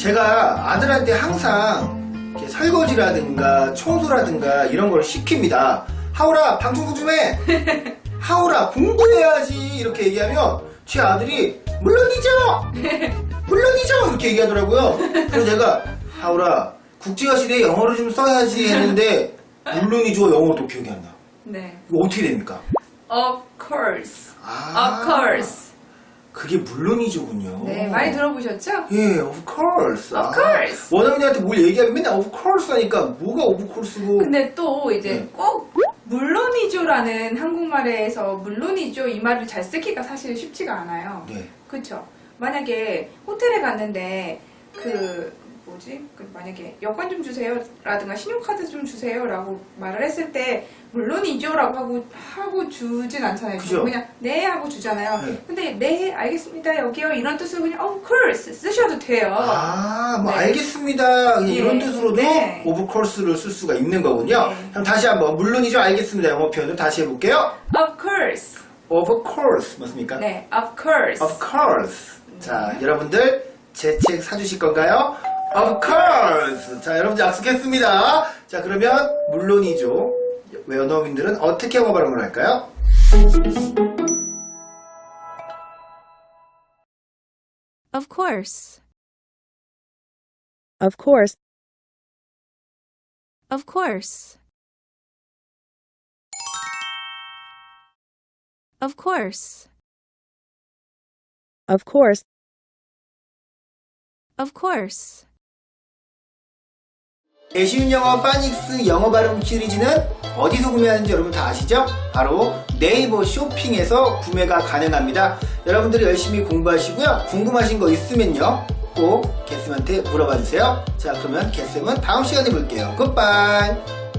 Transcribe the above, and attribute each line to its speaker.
Speaker 1: 제가 아들한테 항상 이렇게 설거지라든가 청소라든가 이런 걸 시킵니다. 하울아, 방청소 좀 해! 하울아, 공부해야지! 이렇게 얘기하면 제 아들이 물론이죠! 물론이죠! 이렇게 얘기하더라고요. 그래서 제가 하울아, 국제화 시대에 영어를 좀 써야지 했는데 물론이죠 영어도 기억이 안 나.
Speaker 2: 네.
Speaker 1: 이거 어떻게 됩니까?
Speaker 2: Of course.
Speaker 1: 아,
Speaker 2: Of course.
Speaker 1: 그게 물론이죠군요.
Speaker 2: 네, 많이 들어보셨죠?
Speaker 1: 예, of course.
Speaker 2: Of course.
Speaker 1: 원어민한테 뭘 얘기하면 맨날 of course 하니까 뭐가 of course고.
Speaker 2: 근데 또 이제
Speaker 1: 네.
Speaker 2: 꼭 물론이죠라는 한국말에서 물론이죠 이 말을 잘 쓰기가 사실 쉽지가 않아요.
Speaker 1: 네.
Speaker 2: 그쵸? 만약에 호텔에 갔는데 만약에 여권 좀 주세요 라든가 신용카드 좀 주세요 라고 말을 했을 때 물론이죠 라고 하고 주진 않잖아요.
Speaker 1: 그죠?
Speaker 2: 그냥 네 하고 주잖아요.
Speaker 1: 네.
Speaker 2: 근데 네 알겠습니다 여기요 이런 뜻으로 그냥 of course 쓰셔도 돼요.
Speaker 1: 아, 뭐
Speaker 2: 네.
Speaker 1: 알겠습니다. 그냥
Speaker 2: 네.
Speaker 1: 이런 뜻으로도
Speaker 2: 네.
Speaker 1: of course를 쓸 수가 있는 거군요.
Speaker 2: 네.
Speaker 1: 그럼 다시 한번 물론이죠 알겠습니다 영어 표현을 다시 해볼게요.
Speaker 2: Of course.
Speaker 1: of course 맞습니까?
Speaker 2: 네, of course.
Speaker 1: of course. 자, 여러분들 제 책 사주실 건가요? of course. 자, 여러분들 약속했습니다. 자, 그러면 물론이죠. 원어민들은 어떻게 영어 발음을 할까요?
Speaker 3: Of course.
Speaker 4: Of course.
Speaker 3: Of course. Of course.
Speaker 4: Of course.
Speaker 3: Of course.
Speaker 1: 애쉬운 영어 파닉스 영어 발음 시리즈는 어디서 구매하는지 여러분 다 아시죠? 바로 네이버 쇼핑에서 구매가 가능합니다. 여러분들이 열심히 공부하시고요. 궁금하신 거 있으면요. 꼭 개쌤한테 물어봐 주세요. 자, 그러면 개쌤은 다음 시간에 볼게요. 굿바이.